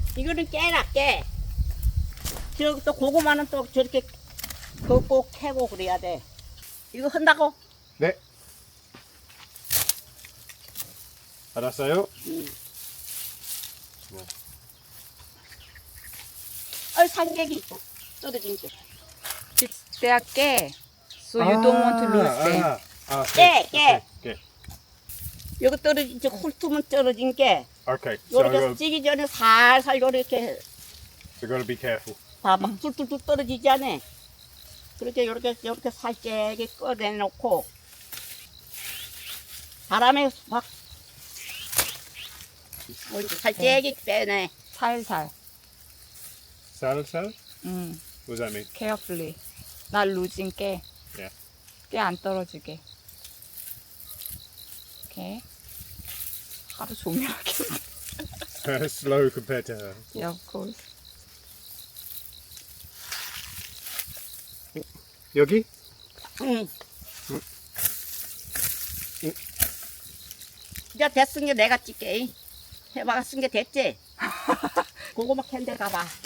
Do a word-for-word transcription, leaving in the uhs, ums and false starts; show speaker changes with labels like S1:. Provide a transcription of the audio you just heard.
S1: 이거는 깨라 깨. 저기 또 고구마는 또 저렇게 그거 꼭 캐고 그래야 돼. 이거 한다고?
S2: 네. 알았어요?
S1: 응. 어 산개기 있다. 떨어진 게.
S3: It's their 깨. So you don't want to lose them.
S2: 아, 아,
S1: 깨, 깨.
S2: 오케이.
S1: 여기 떨어진 저 훑으면 떨어진 게
S2: Okay. So,
S1: 요렇게
S2: uh,
S1: 찌기 전에 살살 요렇게
S2: so gotta be careful.
S1: 봐봐 툴툴툴 떨어지지 않아. 그렇게 요렇게 요렇게 살짝게 꺼내놓고 바람에 막 이렇게 살짝게 빼내.
S3: 살살.
S2: Salad, salad?
S3: 음,
S2: What does that mean?
S3: carefully. 나 losing 깨.
S2: Yeah.
S3: 깨 안 떨어지게. 오케이. 하루 종일 하겠네.
S2: Slow compared to her.
S3: Yeah, of course.
S2: 여기?
S1: 응. 이제 됐은 게 내가 찍게. 해봐 쓴 게 됐지? 고구마 캔데 가봐.